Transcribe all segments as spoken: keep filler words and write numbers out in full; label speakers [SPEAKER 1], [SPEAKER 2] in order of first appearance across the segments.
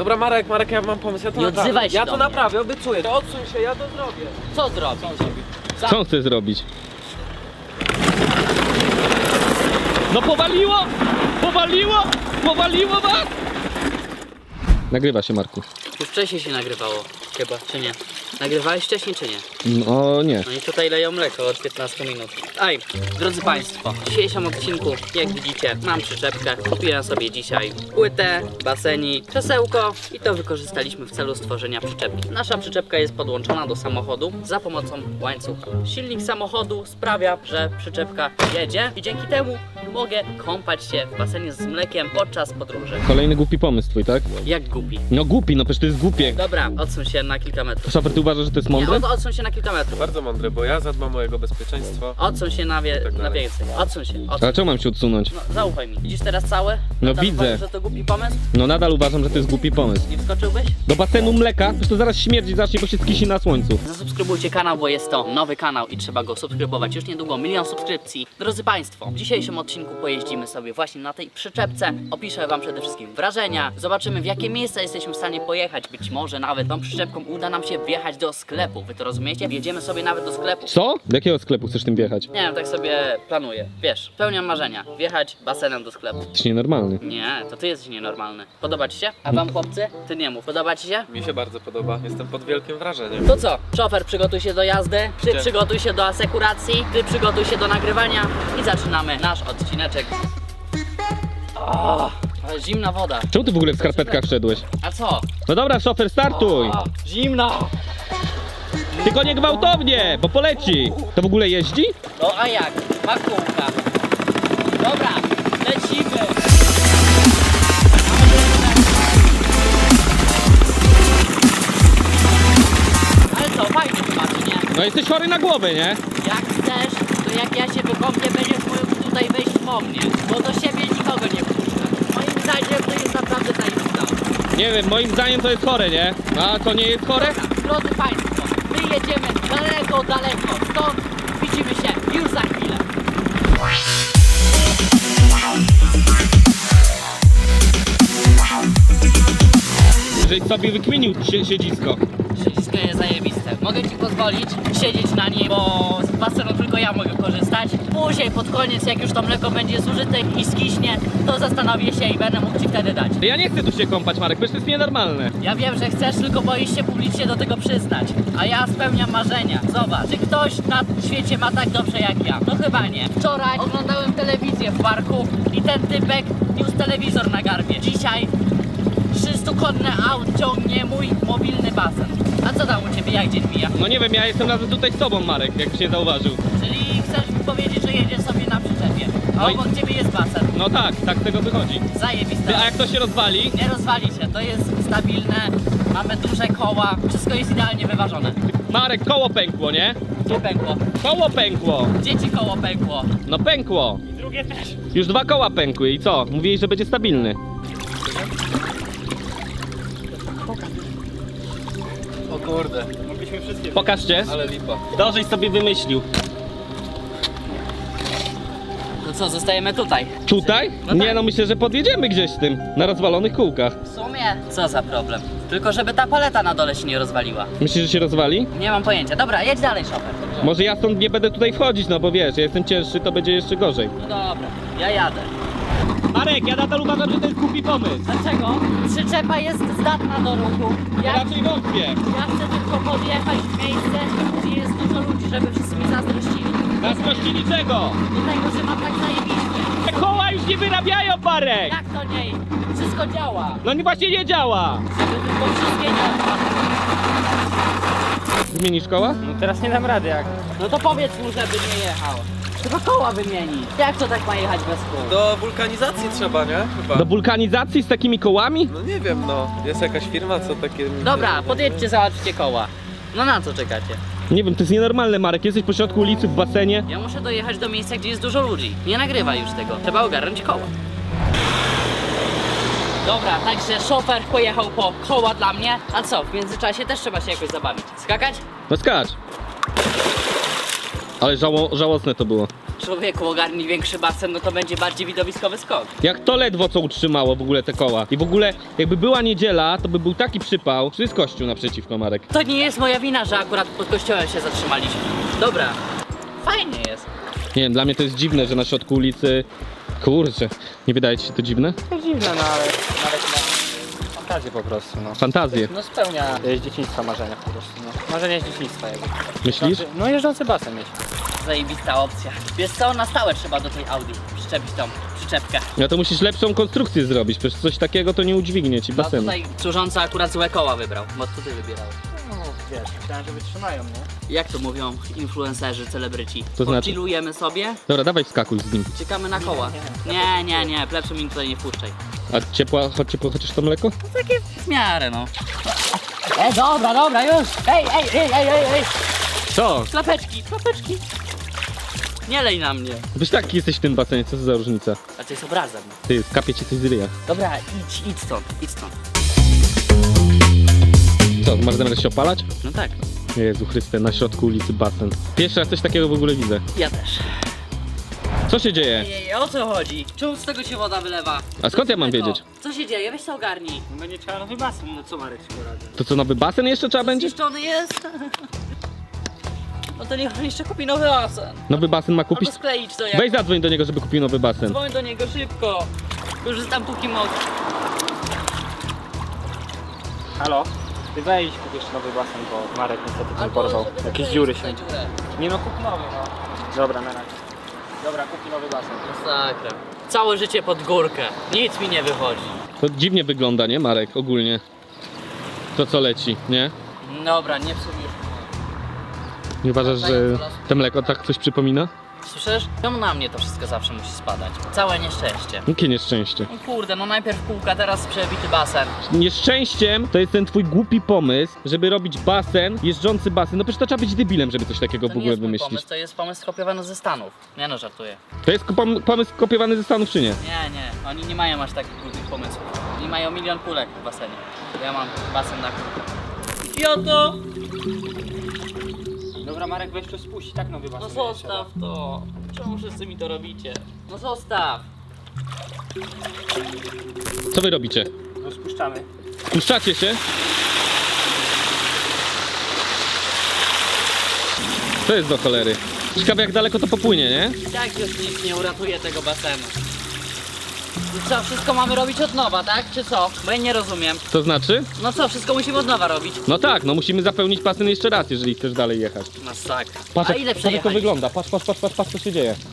[SPEAKER 1] Dobra, Marek, Marek, ja mam pomysł, ja to
[SPEAKER 2] Nie
[SPEAKER 1] naprawię.
[SPEAKER 2] odzywaj się
[SPEAKER 1] Ja
[SPEAKER 2] do
[SPEAKER 1] to
[SPEAKER 2] mnie.
[SPEAKER 1] naprawię, obiecuję. To odsuń się, ja to zrobię.
[SPEAKER 2] Co zrobić? Za...
[SPEAKER 3] Co on chce zrobić? No powaliło! Powaliło! Powaliło was! Nagrywa się, Marku.
[SPEAKER 2] Już wcześniej się nagrywało, chyba, czy nie? Nagrywałeś wcześniej, czy nie?
[SPEAKER 3] No nie.
[SPEAKER 2] No i tutaj leją mleko od piętnastu minut. Aj, drodzy Państwo, w dzisiejszym odcinku, jak widzicie, mam przyczepkę. Kupiłem sobie dzisiaj płytę, basenik, krzesełko i to wykorzystaliśmy w celu stworzenia przyczepki. Nasza przyczepka jest podłączona do samochodu za pomocą łańcucha. Silnik samochodu sprawia, że przyczepka jedzie i dzięki temu mogę kąpać się w basenie z mlekiem podczas podróży.
[SPEAKER 3] Kolejny głupi pomysł twój, tak?
[SPEAKER 2] Jak głupi.
[SPEAKER 3] No głupi, no przecież to jest głupie.
[SPEAKER 2] Dobra, odsuń się na kilka metrów.
[SPEAKER 3] Szofer, ty uważasz, że to jest
[SPEAKER 2] Nie,
[SPEAKER 3] mądre?
[SPEAKER 2] od, odsuń się na kilka metrów.
[SPEAKER 1] Bardzo mądre, bo ja zadbam o jego bezpieczeństwo.
[SPEAKER 2] Odsuń się na, wie,
[SPEAKER 1] Tak
[SPEAKER 2] na
[SPEAKER 1] dalej.
[SPEAKER 2] więcej. Odsuń się. Odsuń.
[SPEAKER 3] Ale czemu mam się odsunąć?
[SPEAKER 2] No, zaufaj mi. Widzisz teraz całe?
[SPEAKER 3] No
[SPEAKER 2] Nadal
[SPEAKER 3] widzę.
[SPEAKER 2] uważasz, że to głupi pomysł?
[SPEAKER 3] No nadal uważam, że to jest głupi pomysł.
[SPEAKER 2] Nie wskoczyłbyś?
[SPEAKER 3] Do basenu mleka? Przecież to zaraz śmierdzi zacznie, bo się skisi na słońcu.
[SPEAKER 2] Zasubskrybujcie kanał, bo jest to nowy kanał i trzeba go subskrybować. Już niedługo milion subskrypcji. Drodzy Państwo, w dzisiejszym odcinku pojeździmy sobie właśnie na tej przyczepce. Opiszę Wam przede wszystkim wrażenia. Zobaczymy, w jakie miejsca jesteśmy w stanie pojechać. Być może nawet tą przyczepką uda nam się wjechać do sklepu. Wy to rozumiecie? Wjedziemy sobie nawet do sklepu.
[SPEAKER 3] Co? Do jakiego sklepu chcesz tym wjechać?
[SPEAKER 2] Nie wiem, tak sobie planuję. Wiesz, spełniam marzenia. Wjechać basenem do sklepu.
[SPEAKER 3] Jesteś nienormalny.
[SPEAKER 2] Nie, to ty jesteś nienormalny. Podoba ci się? A wam chłopcy? Ty nie mów. Podoba ci się?
[SPEAKER 1] Mi się bardzo podoba, jestem pod wielkim wrażeniem.
[SPEAKER 2] To co? Szofer, przygotuj się do jazdy, ty
[SPEAKER 1] Gdzie?
[SPEAKER 2] przygotuj się do asekuracji, ty przygotuj się do nagrywania i zaczynamy nasz odcineczek. O, ale zimna woda.
[SPEAKER 3] Czemu ty w ogóle w skarpetkach wszedłeś?
[SPEAKER 2] A co?
[SPEAKER 3] No dobra, szofer, startuj!
[SPEAKER 2] O, zimna!
[SPEAKER 3] Tylko nie gwałtownie, bo poleci! To w ogóle jeździ?
[SPEAKER 2] No a jak? Ma kółka. Dobra, lecimy! Ale co, fajnie chyba, czy nie?
[SPEAKER 3] No jesteś chory na głowę, nie?
[SPEAKER 2] Jak chcesz, to jak ja się wykąpię, będziesz mógł tutaj wejść po mnie, bo do siebie nikogo nie wpuszczę. Moim zdaniem to jest naprawdę zajebista.
[SPEAKER 3] Nie wiem, moim zdaniem to jest chore, nie? A to nie jest chore?
[SPEAKER 2] Drodzy Państwo, my jedziemy daleko, daleko, stąd widzimy się już za chwilę.
[SPEAKER 3] Żeś sobie wykminił sie siedzisko.
[SPEAKER 2] Wszystko jest zajebiste. Mogę Ci pozwolić siedzieć na nim, bo z basenu tylko ja mogę korzystać. Później pod koniec, jak już to mleko będzie zużyte i skiśnie, to zastanowię się i będę mógł Ci wtedy dać.
[SPEAKER 3] Ja nie chcę tu się kąpać, Marek, przecież to jest nienormalne.
[SPEAKER 2] Ja wiem, że chcesz, tylko boisz się publicznie do tego przyznać. A ja spełniam marzenia. Zobacz, czy ktoś na świecie ma tak dobrze jak ja? No chyba nie. Wczoraj oglądałem telewizję w parku i ten typek niósł telewizor na garbie. Dzisiaj trzystukonne aut ciągnie mój mobilny basen. A co tam u Ciebie, jak dzień mija?
[SPEAKER 3] No nie wiem, ja jestem razem tutaj z tobą, Marek, jakbyś nie zauważył.
[SPEAKER 2] Czyli chcesz mi powiedzieć, że jedziesz sobie na przyczepie, a
[SPEAKER 3] No i-
[SPEAKER 2] obok Ciebie jest basen.
[SPEAKER 3] No tak, tak z tego wychodzi.
[SPEAKER 2] Zajebiste.
[SPEAKER 3] Ty, a jak to się rozwali?
[SPEAKER 2] Nie rozwali się, to jest stabilne, mamy duże koła, wszystko jest idealnie wyważone.
[SPEAKER 3] Marek, koło pękło, nie?
[SPEAKER 2] Gdzie pękło?
[SPEAKER 3] Koło pękło!
[SPEAKER 2] Gdzie Ci koło pękło?
[SPEAKER 3] No pękło!
[SPEAKER 2] I drugie też.
[SPEAKER 3] Już dwa koła pękły i co? Mówili, że będzie stabilny.
[SPEAKER 1] O kurde, mogliśmy wszystkie.
[SPEAKER 3] Pokażcie.
[SPEAKER 1] Ale lipa.
[SPEAKER 3] Dożeś sobie wymyślił.
[SPEAKER 2] No co, zostajemy tutaj?
[SPEAKER 3] Tutaj?
[SPEAKER 2] No
[SPEAKER 3] Nie
[SPEAKER 2] tak.
[SPEAKER 3] no, myślę, że podjedziemy gdzieś z tym, na rozwalonych kółkach.
[SPEAKER 2] W sumie, co za problem? Tylko żeby ta paleta na dole się nie rozwaliła.
[SPEAKER 3] Myślisz, że się rozwali?
[SPEAKER 2] Nie mam pojęcia. Dobra, jedź dalej, szofer.
[SPEAKER 3] Może ja stąd nie będę tutaj wchodzić, no bo wiesz, ja jestem cięższy, to będzie jeszcze gorzej.
[SPEAKER 2] No dobra, ja jadę.
[SPEAKER 3] Marek, ja nadal uważam, że to jest głupi pomysł.
[SPEAKER 2] Dlaczego? Przyczepa jest zdatna do ruchu. Ja,
[SPEAKER 3] Raczej wątpię.
[SPEAKER 2] ja chcę tylko podjechać w miejsce, gdzie jest dużo ludzi, żeby wszyscy mi zazdrościli.
[SPEAKER 3] Zazdrościli czego?
[SPEAKER 2] Do tego, że mam tak zajebiście.
[SPEAKER 3] Te koła już nie wyrabiają, Marek!
[SPEAKER 2] Jak to nie? Wszystko działa.
[SPEAKER 3] No nie, właśnie nie działa.
[SPEAKER 2] Żeby tylko wszystkie nie odpadły.
[SPEAKER 3] Zmienisz koła?
[SPEAKER 4] No teraz nie dam rady jak.
[SPEAKER 2] No to powiedz mu, żeby nie jechał. Trzeba koła wymienić. Jak to tak ma jechać bez kół?
[SPEAKER 1] Do wulkanizacji trzeba, nie? Chyba.
[SPEAKER 3] Do wulkanizacji z takimi kołami?
[SPEAKER 1] No nie wiem, no. Jest jakaś firma, co takie...
[SPEAKER 2] Dobra, podjedźcie, załatwcie koła. No na co czekacie?
[SPEAKER 3] Nie wiem, to jest nienormalne, Marek. Jesteś pośrodku ulicy w basenie.
[SPEAKER 2] Ja muszę dojechać do miejsca, gdzie jest dużo ludzi. Nie nagrywaj już tego. Trzeba ogarnąć koła. Dobra, także szofer pojechał po koła dla mnie. A co, w międzyczasie też trzeba się jakoś zabawić. Skakać?
[SPEAKER 3] No skacz. Ale żało, żałosne to było.
[SPEAKER 2] Człowieku, ogarnij większy basen, no to będzie bardziej widowiskowy skok.
[SPEAKER 3] Jak to ledwo co utrzymało w ogóle te koła. I w ogóle jakby była niedziela, to by był taki przypał. Tu jest kościół naprzeciwko, Marek.
[SPEAKER 2] To nie jest moja wina, że akurat pod kościołem się zatrzymaliśmy. Dobra, fajnie jest.
[SPEAKER 3] Nie wiem, dla mnie to jest dziwne, że na środku ulicy... Kurczę, nie wydaje ci się to dziwne?
[SPEAKER 4] To dziwne, no ale nawet ma fantazję po prostu, no.
[SPEAKER 3] Fantazję.
[SPEAKER 4] No spełnia e, z dzieciństwa marzenia po prostu, no. Marzenia z dzieciństwa jakby.
[SPEAKER 3] Myślisz?
[SPEAKER 4] Jeżdżący- No jeżdżący basen mieć.
[SPEAKER 2] Zajebista opcja. Wiesz co, na stałe trzeba do tej Audi przyczepić tą przyczepkę.
[SPEAKER 3] No to musisz lepszą konstrukcję zrobić, przecież coś takiego to nie udźwignie ci
[SPEAKER 2] No
[SPEAKER 3] basenu.
[SPEAKER 2] tutaj służąca akurat złe koła wybrał, bo to ty wybierałeś.
[SPEAKER 4] No wiesz, myślałem, że wytrzymają, nie?
[SPEAKER 2] Jak to mówią influencerzy, celebryci?
[SPEAKER 3] To znaczy?
[SPEAKER 2] Chillujemy sobie,
[SPEAKER 3] Dobra, dawaj wskakuj z nim.
[SPEAKER 2] czekamy na koła. Nie, nie, nie, plepsu mi tutaj nie wpuszczaj.
[SPEAKER 3] A ciepła, choć ciepło chociaż to mleko?
[SPEAKER 2] Takie w miarę, no. Ej, dobra, dobra, już! Ej, ej, ej, ej, ej, ej!
[SPEAKER 3] Co?
[SPEAKER 2] Klapeczki, klapeczki! Nie lej na mnie.
[SPEAKER 3] Byś taki jesteś w tym basenie, co to za różnica?
[SPEAKER 2] A to jest obrazem.
[SPEAKER 3] Ty, kapie ci coś z ryja.
[SPEAKER 2] Dobra, idź, idź stąd, idź stąd.
[SPEAKER 3] Co, masz zamiar się opalać?
[SPEAKER 2] No tak,
[SPEAKER 3] Jezu Chryste, na środku ulicy basen. Pierwszy raz coś takiego w ogóle widzę.
[SPEAKER 2] ja też.
[SPEAKER 3] Co się dzieje?
[SPEAKER 2] Ej, o co chodzi? Czemu z tego się woda wylewa?
[SPEAKER 3] A skąd ja mam
[SPEAKER 2] Co?
[SPEAKER 3] wiedzieć?
[SPEAKER 2] Co się dzieje? Weź to ogarnij.
[SPEAKER 4] No będzie trzeba nowy basen, no co Marek się poradzi?
[SPEAKER 3] To co, nowy basen jeszcze trzeba będzie?
[SPEAKER 2] Zniszczony jest? No to niech on jeszcze kupi nowy basen.
[SPEAKER 3] Nowy basen ma kupić?
[SPEAKER 2] Albo skleić to jak...
[SPEAKER 3] Weź zadzwoń do niego, żeby kupił nowy basen.
[SPEAKER 2] Dzwoń do niego szybko. Korzystam póki mogę.
[SPEAKER 4] Halo? Ty wejdź, kup jeszcze nowy basen, bo Marek niestety tam porwał.
[SPEAKER 2] żeby
[SPEAKER 4] Jakieś
[SPEAKER 2] zakleić
[SPEAKER 4] dziury
[SPEAKER 2] tę
[SPEAKER 4] się.
[SPEAKER 2] dziurę.
[SPEAKER 4] Nie no, kup nowy, no. Dobra, na razie. Dobra, kup nowy basen.
[SPEAKER 2] Masakra. Całe życie pod górkę. Nic mi nie wychodzi.
[SPEAKER 3] To dziwnie wygląda, nie Marek, ogólnie. To co leci, nie?
[SPEAKER 2] Dobra, nie psuj już.
[SPEAKER 3] Nie uważasz, że to mleko tak coś przypomina?
[SPEAKER 2] Słyszysz? Czemu na mnie to wszystko zawsze musi spadać? Całe nieszczęście.
[SPEAKER 3] Jakie nieszczęście?
[SPEAKER 2] No kurde, no najpierw kółka, teraz przebity basen.
[SPEAKER 3] Nieszczęściem to jest ten twój głupi pomysł, żeby robić basen, jeżdżący basen. No przecież to trzeba być debilem, żeby coś takiego
[SPEAKER 2] To
[SPEAKER 3] w
[SPEAKER 2] nie
[SPEAKER 3] ogóle
[SPEAKER 2] jest mój
[SPEAKER 3] wymyślić.
[SPEAKER 2] pomysł, to jest pomysł skopiowany ze Stanów. Nie no, żartuję.
[SPEAKER 3] To jest pom- pomysł kopiowany ze Stanów, czy nie?
[SPEAKER 2] Nie, nie, oni nie mają aż takich głupich pomysłów. Oni mają milion kulek w basenie. Ja mam basen na kulkę. Idioto!
[SPEAKER 4] Dobra, Marek, weź to spuść, tak nowy
[SPEAKER 2] No
[SPEAKER 4] basen.
[SPEAKER 2] zostaw to. Czemu wszyscy mi to robicie? No zostaw.
[SPEAKER 3] Co wy robicie?
[SPEAKER 4] No spuszczamy.
[SPEAKER 3] Puszczacie się? Co jest do cholery? Ciekawe jak daleko to popłynie, nie?
[SPEAKER 2] Jak już nic nie uratuje tego basenu? I co, wszystko mamy robić od nowa, tak? Czy co? Bo ja nie rozumiem.
[SPEAKER 3] To znaczy?
[SPEAKER 2] No co, wszystko musimy od nowa robić?
[SPEAKER 3] No tak, no musimy zapełnić basen jeszcze raz, jeżeli chcesz dalej jechać.
[SPEAKER 2] Masakra.
[SPEAKER 3] Patrz
[SPEAKER 2] A
[SPEAKER 3] jak,
[SPEAKER 2] ile
[SPEAKER 3] patrz, jak to
[SPEAKER 2] przejechaliście?
[SPEAKER 3] wygląda, patrz, patrz, patrz, patrz, patrz co się dzieje.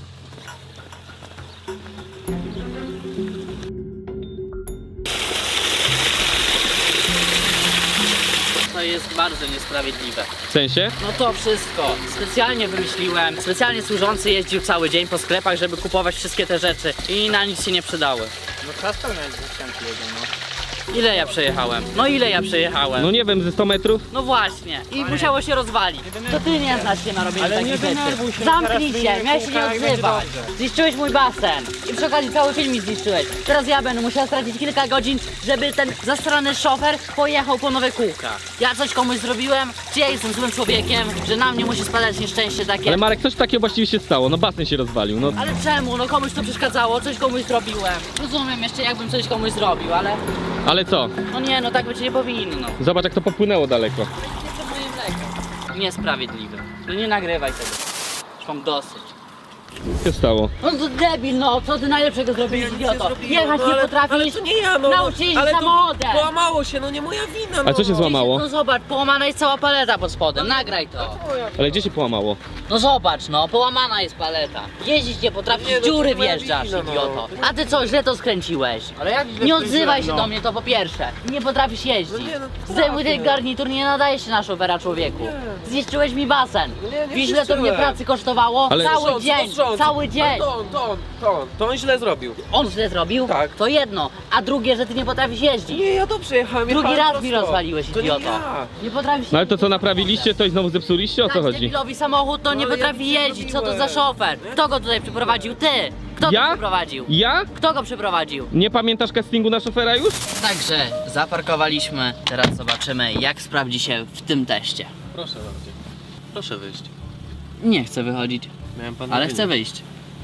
[SPEAKER 2] To jest bardzo niesprawiedliwe.
[SPEAKER 3] W sensie?
[SPEAKER 2] No to wszystko. Specjalnie wymyśliłem. Specjalnie służący jeździł cały dzień po sklepach, żeby kupować wszystkie te rzeczy. I na nic się nie przydały.
[SPEAKER 4] No trzeba spełniać zastępy jego, no.
[SPEAKER 2] Ile ja przejechałem? No ile ja przejechałem?
[SPEAKER 3] No nie wiem, ze sto metrów?
[SPEAKER 2] No właśnie. I musiało się rozwalić. To ty nie znasz się na robieniu
[SPEAKER 4] Ale
[SPEAKER 2] takich
[SPEAKER 4] nie
[SPEAKER 2] rzeczy.
[SPEAKER 4] denerwuj się,
[SPEAKER 2] Zamknij
[SPEAKER 4] teraz
[SPEAKER 2] się,
[SPEAKER 4] wyjmiemy
[SPEAKER 2] miałeś się nie
[SPEAKER 4] kółka i będzie
[SPEAKER 2] odzywać.
[SPEAKER 4] dobrze.
[SPEAKER 2] Zniszczyłeś mój basen. I przy okazji cały film mi zniszczyłeś. Teraz ja będę musiała stracić kilka godzin, żeby ten zastrany szofer pojechał po nowe kółka. Ja coś komuś zrobiłem? Czy ja jestem złym człowiekiem, że na mnie musi spadać nieszczęście takie?
[SPEAKER 3] Ale Marek, coś takiego właściwie się stało, no basen się rozwalił, no.
[SPEAKER 2] Ale czemu? No komuś to przeszkadzało, coś komuś zrobiłem. Rozumiem jeszcze jakbym coś komuś zrobił, ale
[SPEAKER 3] Ale co?
[SPEAKER 2] no nie, no tak być nie powinno.
[SPEAKER 3] Zobacz jak to popłynęło daleko.
[SPEAKER 2] Jeszcze moje mleko. Niesprawiedliwe. No nie nagrywaj tego. Już mam dosyć.
[SPEAKER 3] Co się stało?
[SPEAKER 2] No to debil, no co ty najlepszego zrobiłeś, idioto? Jechać
[SPEAKER 1] no,
[SPEAKER 2] nie
[SPEAKER 1] ale,
[SPEAKER 2] potrafisz?
[SPEAKER 1] ale to nie ja, no.
[SPEAKER 2] Nauczyć jeździć
[SPEAKER 1] ale to
[SPEAKER 2] samochodem.
[SPEAKER 1] połamało się, no nie moja wina, no.
[SPEAKER 3] A co się złamało?
[SPEAKER 2] No zobacz, połamana jest cała paleta pod spodem, nagraj to.
[SPEAKER 3] Ale gdzie się połamało?
[SPEAKER 2] No zobacz, no, połamana jest paleta. Jeździć nie potrafisz,
[SPEAKER 1] Nie, no to
[SPEAKER 2] dziury
[SPEAKER 1] nie moja
[SPEAKER 2] wjeżdżasz,
[SPEAKER 1] wina, no.
[SPEAKER 2] idioto. A ty co, źle to skręciłeś?
[SPEAKER 4] Ale jak źle
[SPEAKER 2] Nie odzywaj
[SPEAKER 4] skręciłem,
[SPEAKER 2] się
[SPEAKER 4] no?
[SPEAKER 2] do mnie, to po pierwsze. Nie potrafisz jeździć.
[SPEAKER 1] No nie, no to
[SPEAKER 2] Zdejmuj ten
[SPEAKER 1] trafię.
[SPEAKER 2] garnitur, nie nadaje się na szofera, człowieku. Zniszczyłeś mi basen.
[SPEAKER 1] Nie, nie
[SPEAKER 2] Wiesz, ile to mnie
[SPEAKER 1] zniszczyłem.
[SPEAKER 2] pracy kosztowało?
[SPEAKER 3] Ale-
[SPEAKER 2] Cały
[SPEAKER 1] Rząd,
[SPEAKER 2] dzień,
[SPEAKER 1] to rząd.
[SPEAKER 2] cały dzień.
[SPEAKER 1] To on, to on, to on, to on źle zrobił.
[SPEAKER 2] On źle zrobił?
[SPEAKER 1] Tak.
[SPEAKER 2] To jedno. A drugie, że ty nie potrafisz jeździć.
[SPEAKER 1] Nie, ja dobrze jechałem.
[SPEAKER 2] Drugi
[SPEAKER 1] jechałem
[SPEAKER 2] raz mi
[SPEAKER 1] prosto.
[SPEAKER 2] rozwaliłeś,
[SPEAKER 1] To nie
[SPEAKER 2] idioto.
[SPEAKER 1] ja.
[SPEAKER 2] Nie potrafisz
[SPEAKER 3] No ale to co, naprawiliście, to i znowu zepsuliście? O co
[SPEAKER 2] Dać
[SPEAKER 3] chodzi?
[SPEAKER 2] debilowi samochód, to nie
[SPEAKER 1] No, ja
[SPEAKER 2] potrafi
[SPEAKER 1] nic nie
[SPEAKER 2] jeździć. Co to za
[SPEAKER 1] robiłem.
[SPEAKER 2] szofer? Kto go tutaj przyprowadził? Ty! Kto
[SPEAKER 3] Ja?
[SPEAKER 2] go przyprowadził?
[SPEAKER 3] Ja?
[SPEAKER 2] Kto go przyprowadził?
[SPEAKER 3] Nie pamiętasz castingu na szofera już?
[SPEAKER 2] Także zaparkowaliśmy. Teraz zobaczymy, jak sprawdzi się w tym teście.
[SPEAKER 1] Proszę bardzo. Proszę wyjść.
[SPEAKER 2] Nie chcę wychodzić,
[SPEAKER 1] Miałem pan
[SPEAKER 2] ale chcę wyjść.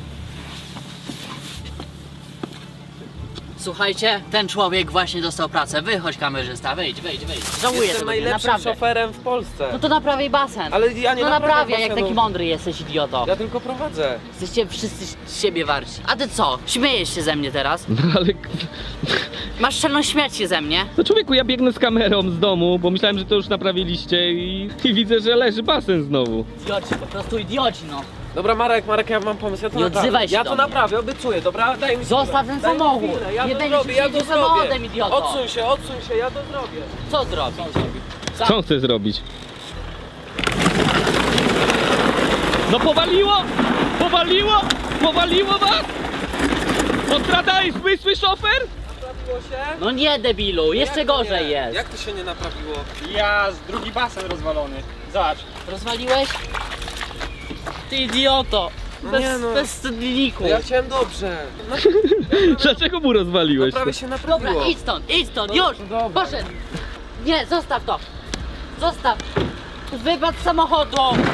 [SPEAKER 2] Słuchajcie, ten człowiek właśnie dostał pracę. Wychodź, kamerzysta, wyjdź, wyjdź, wyjdź. Żałuję
[SPEAKER 1] Jestem
[SPEAKER 2] tego, dnia,
[SPEAKER 1] najlepszym
[SPEAKER 2] naprawdę.
[SPEAKER 1] szoferem w Polsce.
[SPEAKER 2] No to naprawiaj basen.
[SPEAKER 1] Ale ja nie
[SPEAKER 2] No
[SPEAKER 1] naprawiam
[SPEAKER 2] naprawiaj, jak
[SPEAKER 1] basenu.
[SPEAKER 2] taki mądry jesteś, idioto.
[SPEAKER 1] Ja tylko prowadzę.
[SPEAKER 2] Jesteście wszyscy z siebie warci. A ty co? Śmiejesz się ze mnie teraz?
[SPEAKER 3] No ale...
[SPEAKER 2] Masz czelność śmiać się ze mnie?
[SPEAKER 3] No człowieku, ja biegnę z kamerą z domu, bo myślałem, że to już naprawiliście i, i widzę, że leży basen znowu.
[SPEAKER 2] Idioci, po prostu idioci, no.
[SPEAKER 1] Dobra, Marek, Marek, ja mam pomysł, ja to
[SPEAKER 2] Nie
[SPEAKER 1] naprawię.
[SPEAKER 2] odzywaj się
[SPEAKER 1] Ja
[SPEAKER 2] do
[SPEAKER 1] to
[SPEAKER 2] mnie.
[SPEAKER 1] naprawię, obiecuję, dobra? Daj mi
[SPEAKER 2] Zostaw
[SPEAKER 1] chwilę.
[SPEAKER 2] ten
[SPEAKER 1] Daj mi
[SPEAKER 2] samochód.
[SPEAKER 1] chwilę, Ja
[SPEAKER 2] Nie
[SPEAKER 1] to
[SPEAKER 2] będziesz
[SPEAKER 1] zrobię, ja to
[SPEAKER 2] jeździł
[SPEAKER 1] zrobię.
[SPEAKER 2] samochodem, idioto.
[SPEAKER 1] Odsuń się, odsuń się, ja to zrobię.
[SPEAKER 2] Co zrobić?
[SPEAKER 3] Co on chce zrobić? No powaliło! Powaliło! Powaliło was! Odradałeś zmysły, szofer?
[SPEAKER 1] Naprawiło się?
[SPEAKER 2] No nie, debilu, jeszcze
[SPEAKER 1] Jak to
[SPEAKER 2] gorzej
[SPEAKER 1] nie?
[SPEAKER 2] jest.
[SPEAKER 1] Jak to się nie naprawiło?
[SPEAKER 4] Ja, z drugi basen rozwalony. Zobacz.
[SPEAKER 2] Rozwaliłeś? Ty idioto!
[SPEAKER 1] No
[SPEAKER 2] Bez,
[SPEAKER 1] nie no.
[SPEAKER 2] bez wstydniku.
[SPEAKER 1] No ja chciałem dobrze. No,
[SPEAKER 3] Dlaczego mu rozwaliłeś?
[SPEAKER 1] prawie się naprawiło.
[SPEAKER 2] Dobra, idź stąd, idź stąd,
[SPEAKER 1] No,
[SPEAKER 2] już!
[SPEAKER 1] dobra.
[SPEAKER 2] Poszedł! Nie, zostaw to! Zostaw! Wypadł z samochodu!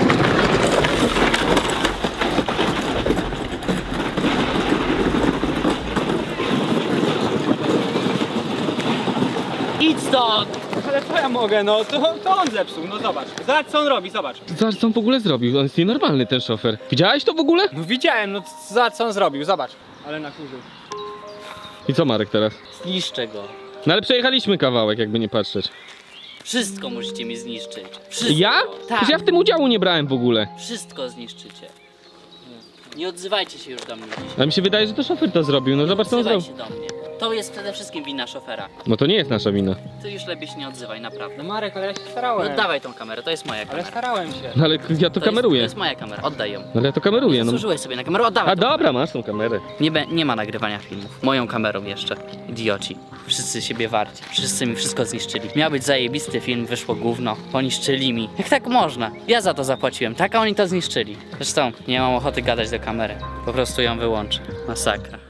[SPEAKER 2] Idź stąd!
[SPEAKER 4] Ale co ja mogę, no to, to on zepsuł, no zobacz. Zobacz co on robi, zobacz.
[SPEAKER 3] Zobacz, co on w ogóle zrobił. On jest nienormalny, ten szofer. Widziałeś to w ogóle?
[SPEAKER 4] No widziałem, no zobacz co on zrobił, zobacz. Ale nakurzył.
[SPEAKER 3] I co Marek teraz?
[SPEAKER 2] Zniszczę go.
[SPEAKER 3] No ale przejechaliśmy kawałek, jakby nie patrzeć.
[SPEAKER 2] Wszystko musicie mi zniszczyć. Wszystko.
[SPEAKER 3] Ja?
[SPEAKER 2] Tak.
[SPEAKER 3] Przecież ja w tym udziału nie brałem w ogóle.
[SPEAKER 2] Wszystko zniszczycie. Nie odzywajcie się już do mnie dzisiaj.
[SPEAKER 3] A mi się wydaje, że to szofer to zrobił. No zobacz, co on
[SPEAKER 2] Odzywaj
[SPEAKER 3] zrobił.
[SPEAKER 2] się do mnie. To jest przede wszystkim wina szofera.
[SPEAKER 3] No to nie jest nasza wina.
[SPEAKER 2] Ty już lepiej się nie odzywaj, naprawdę.
[SPEAKER 4] No Marek, ale ja się
[SPEAKER 2] No
[SPEAKER 4] starałem.
[SPEAKER 2] oddawaj tą kamerę, to jest moja
[SPEAKER 4] Ale
[SPEAKER 2] kamera.
[SPEAKER 4] starałem się.
[SPEAKER 3] No ale ja to
[SPEAKER 2] To
[SPEAKER 3] kameruję.
[SPEAKER 2] Jest, to jest moja kamera, oddaj ją.
[SPEAKER 3] No ale ja to kameruję, no.
[SPEAKER 2] Służyłeś sobie na kamerę, oddawaj.
[SPEAKER 3] A
[SPEAKER 2] tą
[SPEAKER 3] dobra,
[SPEAKER 2] kamerę.
[SPEAKER 3] masz tą kamerę.
[SPEAKER 2] Nie, be, nie ma nagrywania filmów. Moją kamerą jeszcze. Idioci. Wszyscy siebie warci. Wszyscy mi wszystko zniszczyli. Miał być zajebisty film, wyszło gówno. Poniszczyli mi. Jak tak można? Ja za to zapłaciłem, tak a oni to zniszczyli. Zresztą nie mam ochoty gadać do kamery. Po prostu ją wyłączę. Masakra.